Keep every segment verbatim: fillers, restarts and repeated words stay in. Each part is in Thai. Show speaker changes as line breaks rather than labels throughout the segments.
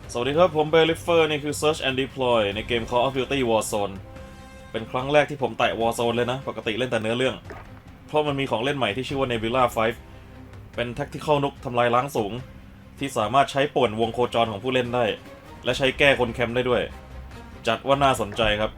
สวัสดีครับผมเบลลิเฟอร์นี่คือ Search and Deploy ในเกม Call of Duty Warzone เป็นครั้งแรกที่ผมแตะ Warzone เลยนะปกติเล่นแต่เนื้อเรื่องเพราะมันมีของเล่นใหม่ที่ชื่อว่า Nebula ไฟว์ เป็น Tactical Nuke ทำลายล้างสูงที่สามารถใช้ป่วนวงโคจรของผู้เล่นได้และใช้แก้คนแคมป์ได้ด้วยจัดว่าน่าสนใจครับ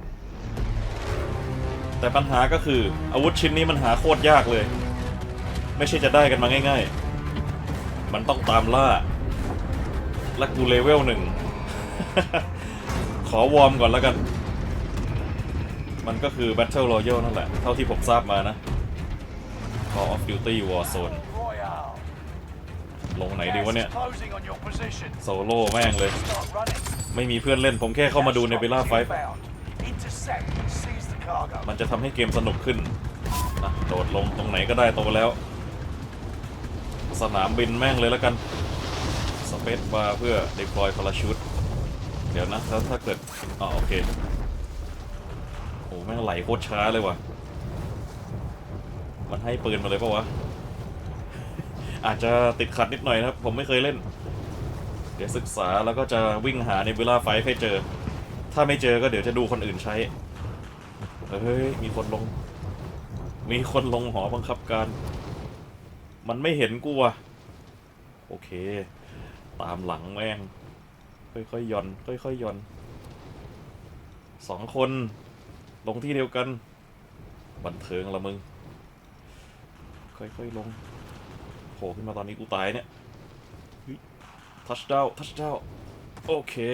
แต่ปัญหาก็คืออาวุธชิ้นนี้มันหาโคตรยากเลยไม่ใช่จะได้กันมาง่ายๆมันต้องตามล่าและกูเลเวลหนึ่ง ขอวอร์มก่อนแล้วกัน มันก็คือ Battle Royale นั่นแหละ เท่าที่ผมทราบมานะ Call of Duty Warzone ลงไหนดีวะเนี่ย โซโล่แม่งเลย ไม่มีเพื่อนเล่น ผมแค่เข้ามาดูใน Nebula ไฟว์ มันจะทำให้เกมสนุกขึ้นนะโดดลงตรงไหนก็ได้โตแล้ว สนามบินแม่งเลยแล้วกันสเปซบาร์เพื่อ deploy parachute เดี๋ยวนะถ้าถ้าเกิดอ๋อโอเคโอ้แม่งไหลโคตรช้าเลยว่ะมันให้ปืนมาเลยปะวะ อาจจะติดขัดนิดหน่อยนะครับผมไม่เคยเล่นเดี๋ยวศึกษาแล้วก็จะวิ่งหาในNebulaไฟว์ให้เจอถ้าไม่เจอก็เดี๋ยวจะดูคนอื่นใช้เฮ้ยมีคนลงมีคนลงหอบังคับการมันไม่เห็นกูว่ะโอเคตามหลังแม่งค่อยๆย่อนค่อยๆย่อนสองคนลงที่เดียวกันบันเทิงละมึงค่อยๆลงโผล่ขึ้นมาตอนนี้กูตายเนี่ยทัชดาวทัชดาวโอเค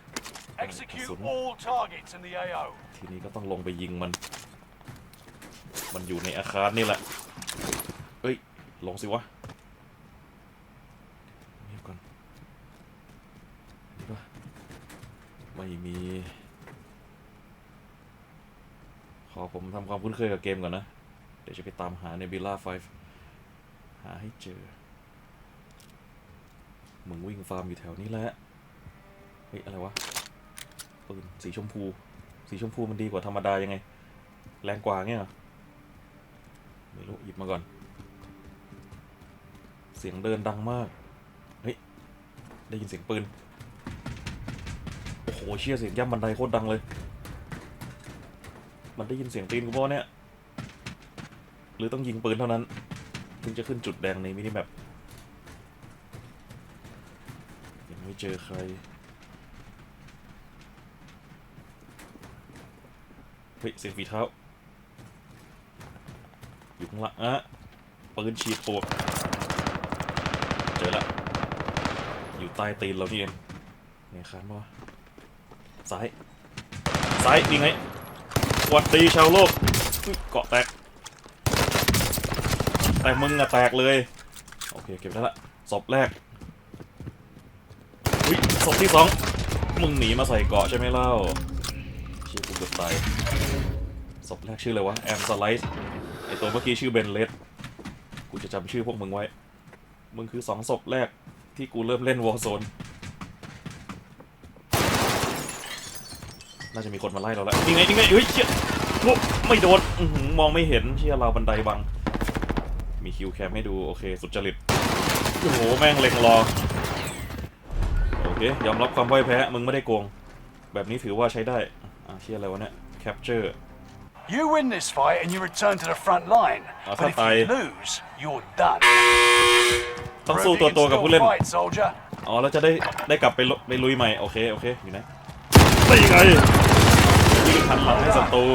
ทีนี้ก็ต้องลงไปยิงมันมันอยู่ในอาคารนี่แหละเอ้ยลงสิวะเงียบก่อนนี่ปะไม่มีขอผมทำความคุ้นเคยกับเกมก่อนนะเดี๋ยวจะไปตามหา Nebula ไฟว์ หาให้เจอมึงวิ่งฟาร์มอยู่แถวนี้แหละเฮ้ยอะไรวะปืนสีชมพูสีชมพูมันดีกว่าธรรมดายังไงแรงกว่าเงี้ยเหรอไม่รู้หยิบมาก่อนเสียงเดินดังมากเฮ้ยได้ยินเสียงปืนโอ้โหเชี่ยเสียงย่ำบันไดโคตรดังเลยมันได้ยินเสียงตีนกูป่ะเนี่ยหรือต้องยิงปืนเท่านั้นถึงจะขึ้นจุดแดงในมินิแมปยังไม่เจอใครเฮ้ยเสียงฝีเท้าอยู่ข้างหลังอะปืนฉีดปวกเจอละอยู่ใต้ตีนเรานี่เองไงคานมาซ้ายซ้ายนี่ไงสวัสดีชาวโลกเกาะแตกแต่มึงอะแตกเลยโอเคเก็บได้ละศพแรกอุ้ยศพที่สองมึงหนีมาใส่เกาะใช่ไหมเล่าเชี่ยกูเกือบตายศพแรกชื่ออะไรวะแอมสไลซ์ไอตัวเมื่อกี้ชื่อเบนเลสกูจะจำชื่อพวกมึงไว้มึงคือสองศพแรกที่กูเริ่มเล่น Warzone น่าจะมีคนมาไล่เราแล้วนี่ไงนี่ไงเฮ้ยเชี่ยไม่โดนมองไม่เห็นเชี่ยเราบันไดบังมีคิวแคมให้ดูโอเคสุดจริตโอ้โหแม่งเล็งรอโอเคยอมรับความพ่ายแพ้มึงไม่ได้โกงแบบนี้ถือว่าใช้ได้อ่ะเชี่ยอะไรวะเนี่ย capture
You win this fight and you return to the front line. But if you lose, you're done.
ต้องสู้ตัวตัวกับผู้เล่นอ๋อแล้วจะได้ได้กลับไปไปลุยใหม่โอเคโอเคอยู่นะได้ยังไงวิ่งหันหลังให้ศัตรู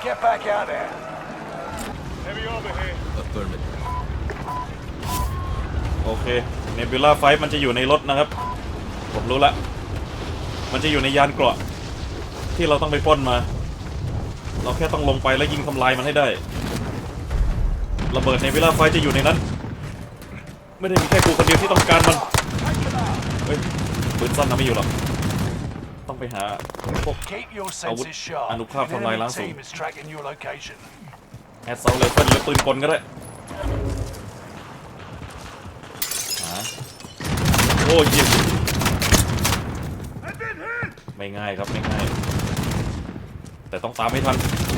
โอเค Nebula ไฟว์มันจะอยู่ในรถนะครับผมรู้ละมันจะอยู่ในยานเกราะที่เราต้องไปปล้นมาเราแค่ต้องลงไปแล้วยิงทำลายมันให้ได้ระเบิดNebulaไฟว์จะอยู่ในนั้นไม่ได้มีแค่กูคนเดียวที่ต้องการมันเฮ้ยปืนสั้นนะไม่อยู่หรอกต้องไปหาพวกอาวุธอนุภาพทำลายล้างสูงแอดเซลเลเฟิลหรือปืนกลก็ได้หาโอ้ยิงไม่ง่ายครับไม่ง่ายแต่ต้องตามให้ทัน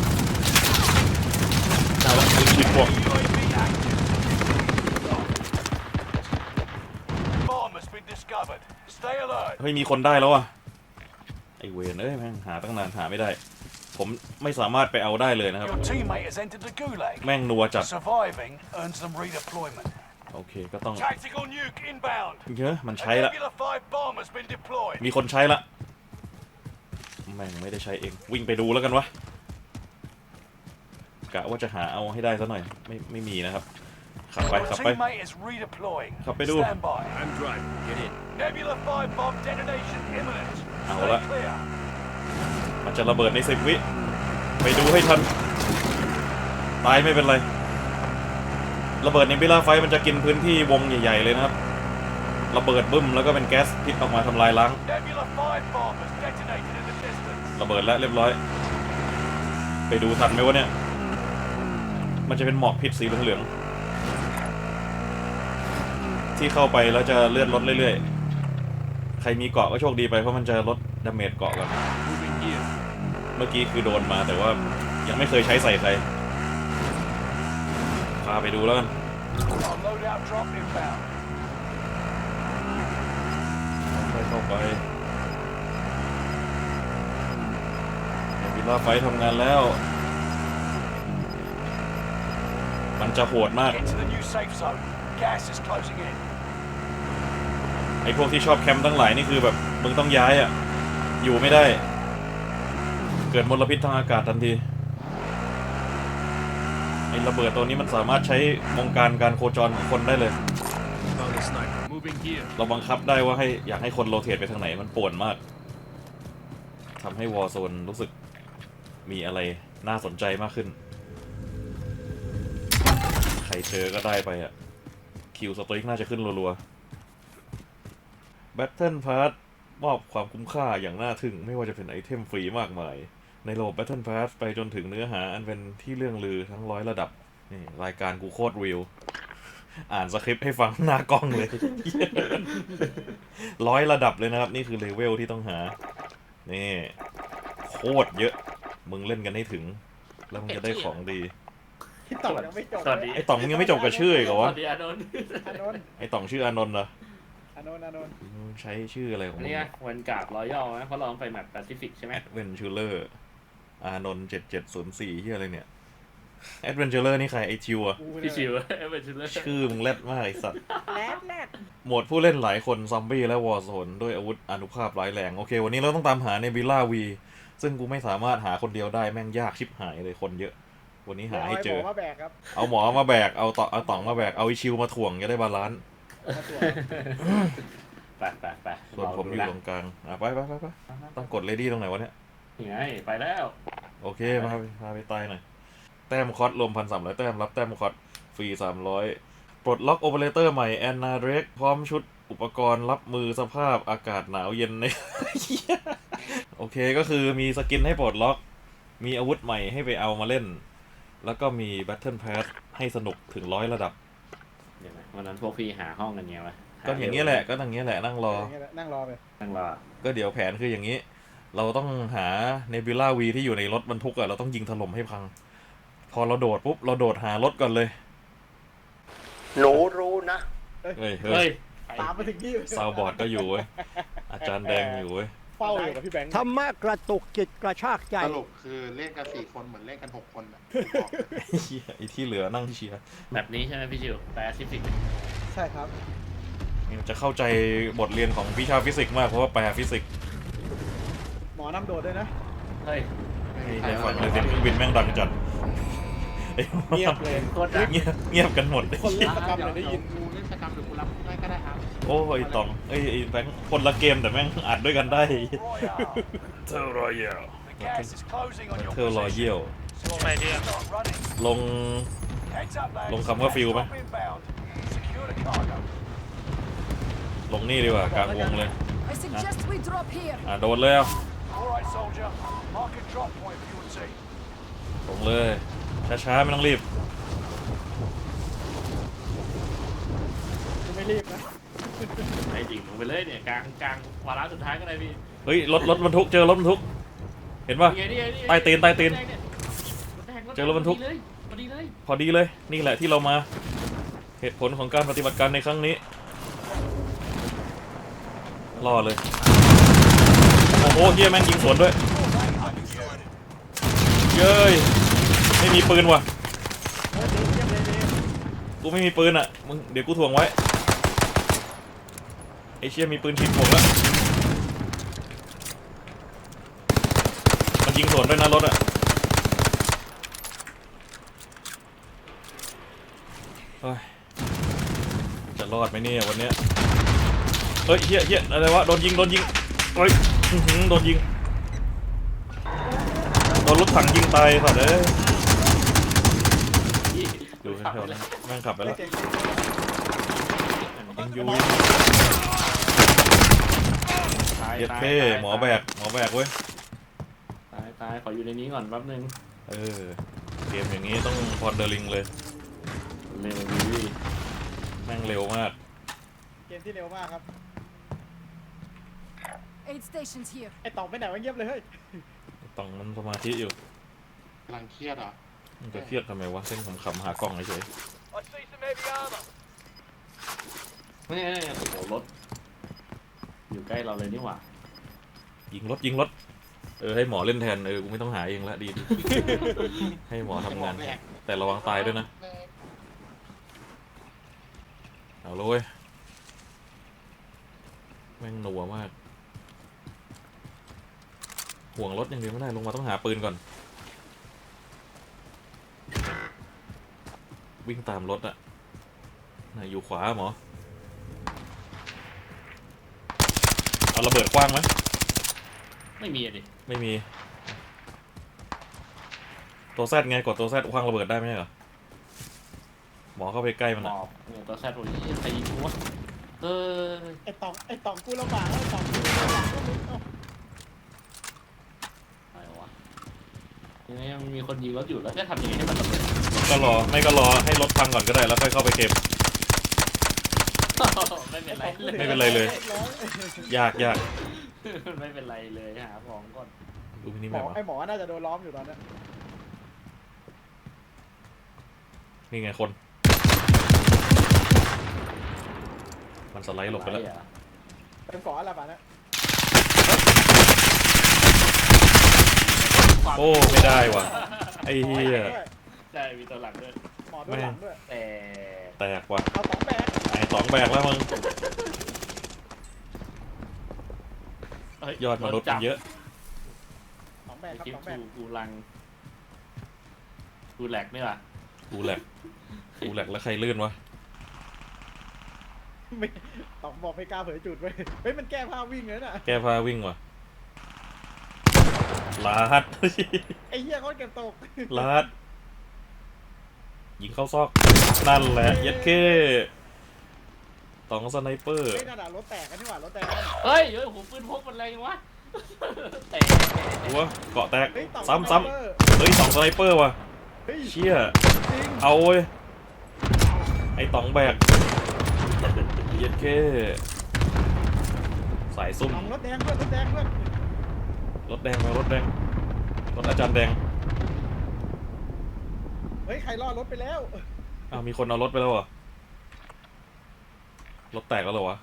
เอาละปืนฉีดพวก
Stay alert. bird.
เฮ้ยมีคนได้แล้วอ่ะไอเวนเอ้ยแม่งหาตั้งนานหาไม่ได้ ผมไม่สามารถไปเอาได้เลยนะครับ
Your teammate has entered the gulag.
แม่งนัวจัด
Surviving earns them redeployment.
โอเคก็ต้อง
Tactical nuke inbound.
เยอะมัน
A
ใช้ละ
Nebula five bomb has been deployed.
มีคนใช้ละแม่งไม่ได้ใช้เองวิ่งไปดูแล้วกันวะกะว่าจะหาเอาให้ได้ซะหน่อยไม่ไม่มีนะครับขับไป
Your
ขับไป
teammate is redeploying.
ขับไปดู
Stand by.
I'm driving. Get in.
Nebula five bomb detonation imminent.
เอา
Stay
ละ
clear.
มันจะระเบิดในสิบวิไปดูให้ทันตายไม่เป็นไรระเบิดในบิลล่าไฟมันจะกินพื้นที่วงใหญ่ๆเลยนะครับระเบิดบึ้มแล้วก็เป็นแก๊สพิษออกมาทำลายล้าง
Nebula five bomb has detonated in the distance.
ระเบิดแล้วเรียบร้อยไปดูทันไหมวะเนี่ยมันจะเป็นหมอกพิษสีเหลืองๆที่เข้าไปแล้วจะเลื่อนลดเรื่อยๆใครมีเกาะก็โชคดีไปเพราะมันจะลดดาเมจเกาะกัน
Moving here.
เมื่อกี้คือโดนมาแต่ว่ายังไม่เคยใช้ใส่ใครพาไปดูแล้วกัน
Our loadout drop inbound.
ค่อยเข้าไปวิลล่าไฟทำงานแล้ว มันจะโหดมาก
Get to the new safe zone. Gas is closing in.
ไอ้พวกที่ชอบแคมป์ทั้งหลายนี่คือแบบมึงต้องย้ายอ่ะอยู่ไม่ได้ เกิดมลพิษทางอากาศทันทีไอ้ระเบิดตัวนี้มันสามารถใช้วงการการโคจรของคนได้เลย
Found a sniper. Moving here.
เราบังคับได้ว่าให้อยากให้คนโรเทตไปทางไหนมันป่วนมากทำให้วอร์โซนรู้สึกมีอะไรน่าสนใจมากขึ้น ใครเจอก็ได้ไปอ่ะ คิวสตริกน่าจะขึ้นรัวๆ Battle Pass มอบความคุ้มค่าอย่างน่าทึ่ง ไม่ว่าจะเป็นไอเทมฟรีมากมาย ในระบบ Battle Pass ไปจนถึงเนื้อหาอันเป็นที่เรื่องลือทั้งร้อยระดับนี่รายการกูโคตรวิว อ่านสคริปต์ให้ฟังหน้ากล้องเลย ร้อยระดับเลยนะครับ นี่คือเลเวลที่ต้องหา นี่ โคตรเยอะ มึงเล่นกันให้ถึง แล้วมึงจะได้ของดี
ที่ต่อยังไม่จบ
สวัสดี
ไอ้ต่องมึงยังไม่จบกับชื่ออีกเหรอ
ส
วะ
วัสดีอานนท์
อานนท์
ไอ้ต่องชื่ออานนท์เหรอ
อานนท์อานนท์
มึงใช้ชื่ออะไรของ
อัน
มึง
นี้ไงวันการ์ดรอยัลนะเพราะเราต้องไปแมปแปซิฟิกใช่ไหม
เวนชูเลอร์อานนท์เจ็ดเจ็ดศูนย์สี่ที่อะไรเนี่ยแอดเวนเจอร์นี่ใครไอชิวอะ
กู
พี่ชิวเอเวอร์ชิลเลอร์
ชื่อมึงแรดมากไอสัตว์
แรดแรด
โหมดผู้เล่นหลายคนซอมบี้และวอร์โซนด้วยอาวุธอานุภาพร้ายแรง โอเค วันนี้เราต้องตามหาในบิลล่าวีซึ่งกูไม่สามารถหาคนเดียวได้แม่งยากชิบหายเลยคนเยอะ วันนี้หาให้เจอ
มาแบกครับ
เอาหมอมาแบก เอาต่อเอาต่องมาแบก เอาไอชิวมาถ่วงจะได้บาลานซ์
มาตรวจ
ไปไปไป
ส่วนผมอยู่ตรงกลางอ่ะไปไปไปไปต้องกดเลดี้ตรงไหนวะเนี่ย
ยังไงไปแล้ว
โอเคพาไปพาไปตายหน่อย แต้มคอสรวมพันสามร้อยแต้ม รับแต้มคอสฟรีสามร้อยปลดล็อกโอเปอเรเตอร์ใหม่แอนนาเดรกพร้อมชุดอุปกรณ์รับมือสภาพอากาศหนาวเย็นใน โอเคก็คือมีสกินให้ปลดล็อก มีอาวุธใหม่ให้ไปเอามาเล่น แล้วก็มี Battle Pass ให้สนุกถึงร้อยระดับ
เดี๋ยวนะวันนั้นพวกพี่หาห้องกันไงวะ
ก็อย่างนี้ยแหละ ก็อย่างนี้ยแหละนั่งรอ
ย่างเงี้ยแหละนั่งรอไป
ตั้งรอ
ก็เดี๋ยวแผนคืออย่างนี้ เราต้องหาเนบิล่าวีที่อยู่ในรถบรรทุกอะเราต้องยิงถล่มให้พัง พอเราโดดปุ๊บ เราโดดหารถก่อนเลย
หนูรู้นะ
เฮ้ยเฮ้
เฮ้
ย
ย
ตามมาถึงที่
ซาวบอร์ดก็อยู่เว้ย อาจารย์แดงอยู่เว้ย
เฝ้าอยู่กับพี่แบงค์
ธรรมะกระตุกจิตกระชากใจ
สรุปคือเล่นกันสี่คนเหมือนเล่นกันหกคนอ่ะ
ไอ้เหี้ยไอ้ที่เหลือนั่งเชียร์
แบบนี้ใช่ไหมพี่ชิวแปซิฟิก
ใช่ครับ
จะเข้าใจบทเรียนของวิชาฟิสิกส์มากเพราะว่าแปลฟิสิกส์
หมอนำโดดด้วยนะ
เฮ้ย
ในฝั่งเลยเสียงเครื่องบินแม่งดังจัดไอ้
เงียบเลย
โคตรดัง
เงียบเงียบกันหมดเลย
คนเล่นประกำ
เดี๋ยว
เลยได้ยิน
กูเล่นสกรรมหรือกูรับได้ก็ได้ครับ
โอ้ยตองเอ้ยไอ้แบงค์คนละเกมแต่แม่งอัดด้วยกันได้
Royale.
เทอร์รอยัล
The gas is closing on your
เทอร์รอ
position.
ยัล
Start running.
ลง
Heads up, lads.
ลงคำว่าฟิลไหม
Drop inbound. Secure the cargo.
ลงนี่ดีกว่ากลางวงเลย
I suggest we drop here.
อ่ะโดดเลยอ่ะ
All right, soldier. Mark a drop point for your team.
ลงเลยช้าๆไม่ต้องรีบ
กูไม่รีบนะ
ไอ้ดิ่งลงไปเลยเนี่ยกลางกลางวาระสุดท้ายก็ได้พี่
เฮ้ยรถรถบรรทุกเจอรถบรรทุก เห็นป่ะ
นี่ไงนี่ไงนี่ไง
ใต้ตีนใต้ตีน
รถแดงเนี่ยรถแดง
เจอรถบรรทุก
เลยพอดีเลย
พอดีเลยนี่แหละที่เรามาเหตุผลของการปฏิบัติการในครั้งนี้
เ
ล่อเลยโอ้โหเฮียแม่งยิงสวนด้วยเย้ยไม่มีปืนว่ะกูไม่มีปืนอ่ะมึงเดี๋ยวกูถ่วงไว้ไอเชี่ยมีปืนฉีดผงแล้วมันยิงสวนด้วยนะรถอ่ะเฮ้ยจะรอดไหมเนี่ยวันเนี้ยเฮ้ยเฮียเฮียอะไรวะโดนยิงโดนยิงเฮ้ยอื้อหือโดนยิงโดนรถถังยิงตายสัตว์เอ้ยดูแถวๆนั้นแม่งขับไปแล้วยังอยู่
ตาย
เย็ด
ตาย
เท่
ตาย
หมอแบกหมอแบกเว้ย
ตายตายขออยู่ในนี้ก่อนแป๊บนึง
เออเกมอย่างนี้ต้องพอนเดอร์ลิงเลย
เร็วดี
แม่งเร็วมาก
เกมที่เร็วมากครับ
Aid stations here.
ไอ้ตองไปไหนวะเงียบเลยเฮ้ย
ต้องมันสมาธิอยู่
กำลังเครียดเหรอ
มันจะเครียดทำไมวะเส้นขำๆหากล้องเฉย
นี่นี่โอ้โหรถอยู่ใกล้เราเลยนี่หว่า
ๆยิงรถยิงรถเออให้หมอเล่นแทนเออกูไม่ต้องหาเองละดีดี ให้หมอทำงานแทนแต่ระวังตายด้วยนะเอาเลยแม่งหนัวมากห่วงรถอย่างเดียวไม่ได้ลงมาต้องหาปืนก่อนวิ่งตามรถอะไหนอยู่ขวาหมอเอาระเบิดกว้างไหม
ไม่มีอะดิ
ไม่มีตัวแซดไงกดตัวแซดคว้างระเบิดได้ไหมเหรอหมอเข้าไปใกล้มัน
หม
อะ
อบเนี่ยตัวแซดโอ้ยใครยิงกูวะเออ
ไอ้ตองไอ้ตองกูลำบากไอ้ตองกูลำบากก็มึงเอา
อะไรวะยังไงยังมีคนยิงรถอยู่แล้วจะทำยังไงให้มันระเบิด
ก็รอไม่ก็รอให้รถพังก่อนก็ได้แล้วค่อยเข้าไปเก็บ
ไม่เป็นไรเลย
ไม่เป็นไรเลย ยากยาก
ไม่เป็นไรเลยหาของก่อน
ดูมินิ
หม
แม
อ
ปวะ
ไอ้หมอน่าจะโดนล้อมอยู่ตอนนี้
นี่ไงคนมันสไลด์หลบไปแล้ว
อะรอะ
เป็นเกาะอะไรป่ะเนี่ย
โอ้ไม่ได้ว่ะไอ้เหี้ย
ใช่มีตัวหลังด้วย
หมอด้วยหลังด้วย
แต่
แตกว่ะ
เอาตองแบก
ไอ้สองแบกแล้วมึง
เฮ้
ยอดมนุษย์มันเยอะ
ตองแบกครับ
คลิป
ตองแบก
กูกูลังกูแหลกนี่ว่ะ
กูแหลกกูแหลกแล้วใครลื่นวะ
ไม่ตองบอกไม่กล้าเผยจุดเว้ยเฮ้ยมันแก้ผ้าวิ่งเลยน่ะ
แก้ผ้าวิ่งว่ะลาด
ไอ้เหี้ยเขาเก็บตก
ลาดยิงเข้าซอกนั่นแหละเย็ดเก้ตองสไนเปอร์
เฮ้ยนั่นน่ะรถแตกกันนี่หว่ารถแตก
เฮ้ยเฮ้ยหูปืนพกมันอะไรวะแต่
ตัวเกาะแตก
เฮ้ยตอง
ซ้ำซ้ำเฮ้ยสองสไนเปอร์ว่ะ
เฮ้ย
เชี่ย
จริง
เอาเว้ยไอ้ตองแบกเย็ดเก้สายซุ่ม
ตองรถแดงเพื่อนรถแดงเพื่อน
รถแดงมารถแดงรถอาจารย์แดง
เฮ้ยใครรอดรถไปแล้ว
อ้าวมีคนเอารถไปแล้วเหรอรถแตกแล้วเหรอวะ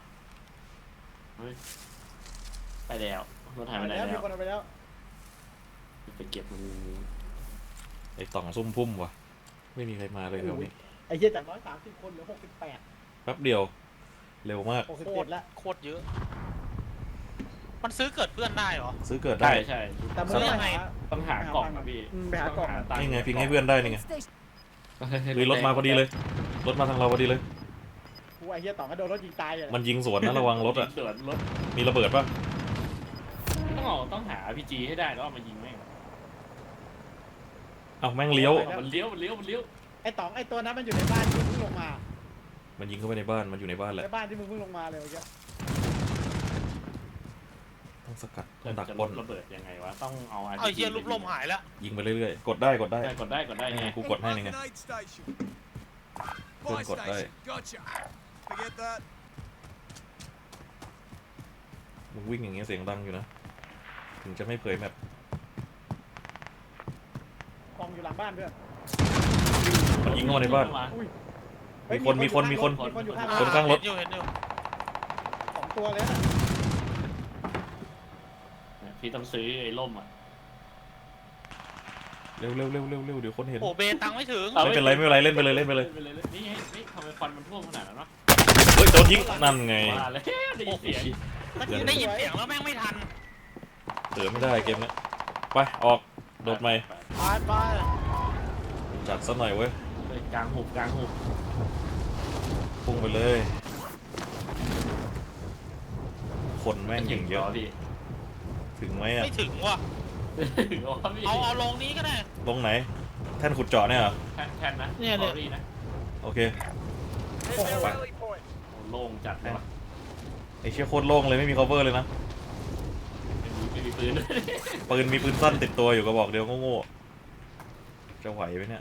ไปแล้วรถหายไปไหน
แล้วมี
แล้ว
คนเอาไปแล้ว
ไปเก็บมัน
ไอ้ต่องซุ่มพุ่มวะไม่มีใครมาเลยแถวนี้
ไอ้เหี้ยจากร้อยสามสิบคนเหลือหกสิบแปด
แป๊บเดียวเร็วมาก
หกสิบ
โค
เจ็
ต
ด
ร
แล้ว
โคตรเยอะ มันซื้อเกิดเพื่อนได้เหรอ
ซื้อเกิดได้
ใช่ใช่
แต่มึงต้องหา
ต้องหากล่องอะพี่
อืมไปหากล่อง
ตัค์
นี่ไงพิงให้เพื่อนได้นี่ไง
Aid station.
เฮ้ยรถมาพอดีเลยรถมาทางเราพอดีเลย
กูไอ้เหี้ยต่องก็โดนรถยิงตายเลย
มันยิงสวนนะระวังรถอ่ะ
สวนรถ
มีระเบิดปะ
ต้องเอาต้องหา อาร์ พี จี ให้ได้แล้วเอามายิงแม่ง
เอ้าแม่งเลี้ยว
มันเลี้ยวมันเลี้ยวมันเลี้ยว
ไอ้ต่องไอ้ตัวนั้นมันอยู่ในบ้านที่มึงเพิ่งลงมา
มันยิงเข้าไปในบ้านมันอยู่ในบ้านแหละ
ในบ้านที่มึงเพิ่งลงมาเลยเมื่อกี้
ต้องสกัดต้องดัก
จะ
บ
ล
น
ดระเบิดยังไงวะต้องเอา อาร์
เอา
พี
เฮียลูกลมหายแล้ว
ยิงไปเรื่อยๆกดได้กดได้
ได้กดได้กดได้
นี่ไง
ไง
กูกดให้นี่ไง เพื่อนกดได้ มึงวิ่งอย่างเงี้ยเสียงดังอยู่นะถึงจะไม่เผยแมป
กองอยู่หลังบ้านเพื่อน
มันยิงเข้ามาในบ้าน
อุ้ย
มีคนมีคนมีคน
มีคนอยู่ข้าง
คนข้างรถ
เห็นอยู่เห็นอยู่
สองตัวเลยนะ
พี่ต้องซื้อไอ้ล่มอ่ะ
เร็วเร็วเร็วเร็วเร็วเดี๋ยวคนเห็น
โอ้เบตังไม่ถึง
ไม่เป็นไรไม่เป็นไรเล่นไปเลยเล่นไปเลย
นี่ไงนี่ทำไมควันมันท่วมขนาดนั้นวะ
เฮ้ยโดนยิงนั่นไง
มาเลยได้ยินเสียง
มันยิงได้ยินเสียงแล้วแม่งไม่ทัน
เตือไม่ได้เกมเนี้ยไปออกโดดใหม่
ไปไป
จัดซะหน่อยเว้ย
ไปกลางหุบกลางหุบ
พุ่งไปเลยคนแม่งอย่างเยอะ
พี่
ถึงไหมอ่ะ
ไม่ถึงว่ะ
อ๋อพี่
เอาเอาลงนี้ก็ได้
ตรงไหนแท่นขุดเจาะเนี่ยเหรอ
แทนแทนนะ
เนี่ยเนี่ย
สอรี่นะ
โอเค
โอ้โล่งจัดเลยวะ
ไอเชี่ยโคตรโล่งเลยไม่มี cover เลยนะ
ไม่มีไม่มีปืนด้วย
ปืนมีปืนสั้นติดตัวอยู่กระบอกเดียวโง่ๆจะไหวไหมเนี่ย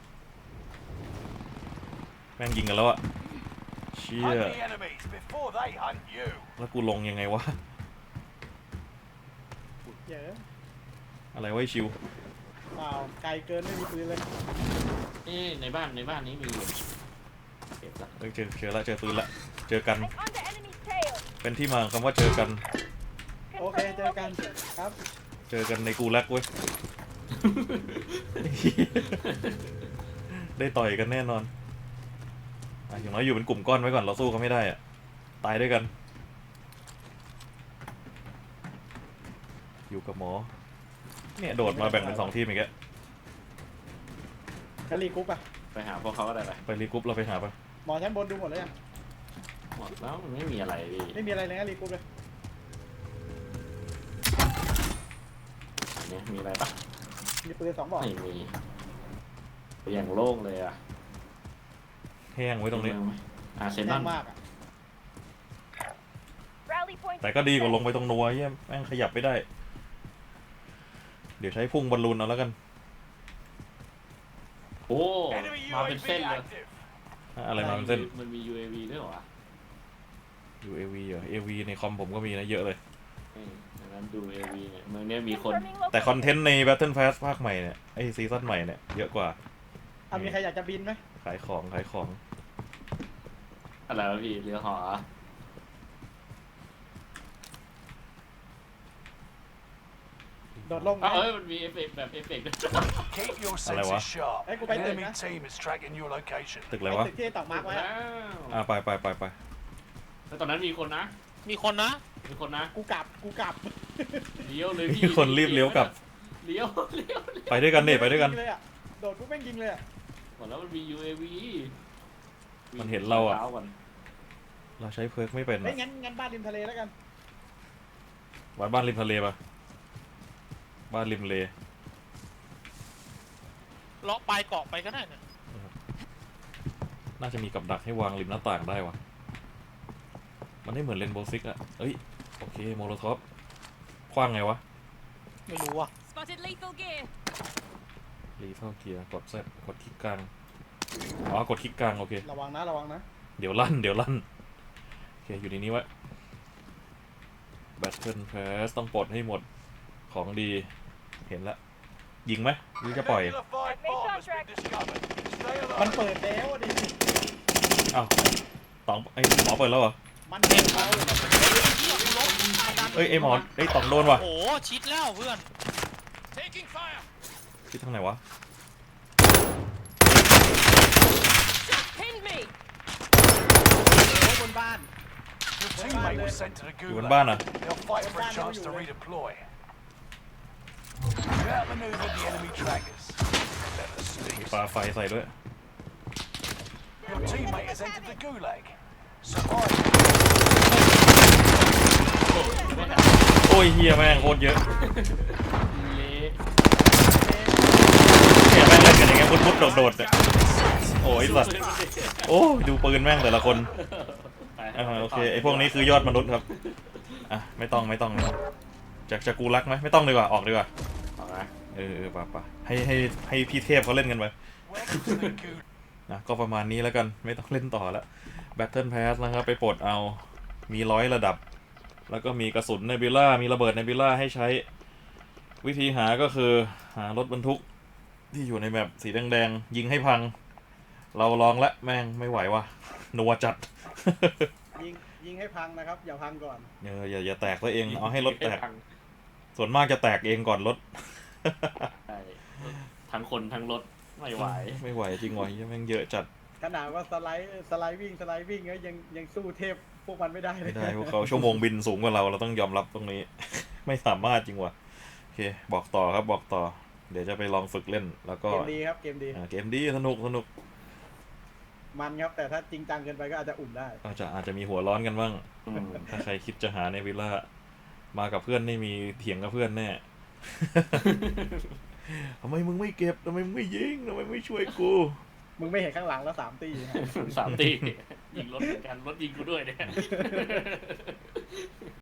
แม่งยิงกันแล้วอะเชี่ย
Hunt the enemies before they hunt you.
แล้วกูลงยังไงวะ
เยอะ
อะไรวะไอ้ชิว
เปล่าไกลเกินไม่มีปืนเลย
นี่ในบ้านในบ้านนี้มีอยู่เก็บละ
เอ้ยเจอเจอละเจอปืนละเจอกัน
I'm on the enemy's tail.
เป็นที่มาของคำว่าเจอกัน
โอเคเจอกันครับ
เจอกันในกูรักเว้ย ได้ต่อยกันแน่นอนอ่ะอย่างน้อยอยู่เป็นกลุ่มก้อนไว้ก่อนเราสู้เขาไม่ได้อะตายด้วยกัน อยู่กับหมอเนี่ยโดดมาแบ่งเป็นสองทีมอีกแล้ว
กะลีกรุ๊ปอะ
ไปหาพวกเขาก็ได้ไป
ไปรีกรุ๊ปเราไปหาปะ
หมอชั้นบนดูหมดแล้วยัง
หมดแล้วมันไม่มีอะไรพี่
ไม่มีอะไรเลยนะรีกรุ๊ปเลย
อันนี้มีอะไรปะ
มีปืนสองบอก
ไม่มีอย่างโล่งเลยอ่ะ
แห้งไว้ตรงนี้
อาร์เซนอ
แน่
ล
นมากอะ
Rally point.
แต่ก็ดีกว่าลงไปตรงนัวเยี่ยแม่งขยับไม่ได้ เดี๋ยวใช้พุ่งบอลลูนเอาแล้วกัน
โอ้
Enemy
มาเป็น
U A V
เส้นเลย
active.
อะอะไรมาเป็นเส้น
มันมี ยู เอ วี ด้วยเหรอวะ
ยู เอ วี เหรอ เอ วี ในคอมผมก็มีนะเยอะเลย
เออดังนั้นดู เอ วี เนี่ยเมืองเนี้ยมีคน
Confirming
แต่
location.
คอนเทนต์ใน Battle Pass ภาคใหม่เนี่ยไอซีซั่นใหม่เนี่ยเยอะกว่า
อ่ะมีใครอยากจะบินไหม
ขายของขายของ
อะไรวะพี่เรือหอ
โดดลงไหม
อ้าวเอ้ยมันมีเอฟเฟกต์แบบเอฟเฟกต์ด้วย
Keep your
Hello,
senses
what?
sharp.
Hey, go
An
back there,
enemy
man.
team is tracking your location.
ตึกอะไร
ไอ้
วะ
ตึกที่ตอกมาร์กไว้
แล้
อะ
ว
อ่าไปไปไปไป
แล้วตอนนั้นมีคนนะ
มีคนนะ
มีคนนะ
กูกลับกูกลับ
เลี้ยวเลยพี่
มีคนรีบเลี้ยวกลับ
เลี้ยวเลี้ยวเลี้ยว
ไปด้วยกันเด็ไปด้วยกัน
งเลยอะโดดปุ๊บแม่งยิงเลยอะ
หมดแล้วมันมี ยู เอ วี
มันเห็นเราอะ
ช้ก่น
เราใช้เพิร์กไม่เป็น
เฮ้ยงั้นงั้นบ้านริมทะเลแล้วกัน
วัดบ้านริมทะเลปะบ้านริมเล
เลาะปลายเกาะไปก็ได้เนี่ย
น่าจะมีกับดักให้วางริมหน้าต่างได้วะมันไม่เหมือนเลนโบซิกอะเอ้ยโอเคโมโลท็อปคว้างไงวะ
ไม่รู้ว่ะ
Spotted lethal gear.
รีเท่าเกียร์กดเซตกดคลิกกลางอ๋อกดคลิกกลางโอเค
ระวังนะระวังนะ
เดี๋ยวลั่นเดี๋ยวลั่นโอเคอยู่ในนี้ไว้ Battle Pass ต้องปลดให้หมดของดีเห็นละยิงไหมหรือจะปล่อย
Irregular five bomb has been discovered. Stay
มัน
alert.
เปิดแล้วดิ
อ้าวตองไอ้หมอเปิดแล้วเหรอ
มันเปิดแล้ว
เอ้ยไอ้หมอไอ้ตองโดนว่ะ
โอ้โหชิดแล้วเพื่อน
Taking fire.
ที่ทางไหนวะ
Pinned me.
โอ้ยบนบ้าน
Your teammate was sent to the
อยู่บน
gulag.
บ้านอ่ะ
They'll fight for a chance to redeploy. You outmaneuvered the enemy trackers. Let the
มี
sneaks.
ปลาไฟใส่ด้วย
Your teammate has entered the gulag. Survive.
โอ้ยเฮียแม่งโคตรเยอะ
เละ
เนี่ยแม่งเล่นกันอย่างเงี้ยมุดๆโดดๆเนี่ยโอ้ยสัตว์โอ้ยดูปืนแม่งแต่ละคนอ่าโอเคไอพวกนี้คือยอดมนุษย์ครับอ่ะไม่ต้องไม่ต้องไม่ต้องจะจะกูรักไหมไม่ต้องดีกว่าออกดีกว่า
เอาละ
เออเออป่ะป่ะให้ให้ให้พี่เทพเขาเล่นกันไป
Welcome to the gulag.
นะก็ประมาณนี้แล้วกันไม่ต้องเล่นต่อแล้ว Battle Pass นะครับไปปลดเอามีร้อยระดับ แล้วก็มีกระสุนเนบิล่ามีระเบิดเนบิล่าให้ใช้วิธีหาก็คือหารถบรรทุกที่อยู่ในแมปสีแดงๆยิงให้พัง เราลองละแม่งไม่ไหวว่ะนัวจัด
ยิงยิงให้พังนะครับ อย่าพังก่อน
เอออย่าอย่าแตกตัวเองเอาให้รถแตก
พัง
ส่วนมากจะแตกเองก่อนรถ
ใช่ทั้งคนทั้งรถไม่ไหว
ไม่ไหวจริงวะยังแม่งเยอะจัด
ขนาดว่าสไลด์สไลด์วิ่งสไลด์วิ่งก็ยังยังสู้เทพพวกมันไม่ได้เลย
ไม่ได้พวกเขาชั่วโมงบินสูงกว่าเราเราต้องยอมรับตรงนี้ ไม่สามารถจริงวะโอเคบอกต่อครับบอกต่อ เดี๋ยวจะไปลองฝึกเล่นแล้วก็
เกมดีครับเกมดี
อ่าเกมดีสนุกสนุก
มันครับแต่ถ้าจริงจังเกินไปก็อาจจะอุ่นได้
อาจจะอาจจะมีหัวร้อนกันบ้าง
อืม
ถ้าใครคิดจะหาในวิลล่ามากับเพื่อนนี่มีเถียงกับเพื่อนแน่ ทำไมมึงไม่เก็บทำไมมึงไม่ยิงทำไมไม่ช่วยกู
มึงไม่เห็นข้างหลังแล้วสามตี
สามตียิงรถเหมือนกันรถยิงกูด้วยเนี่ย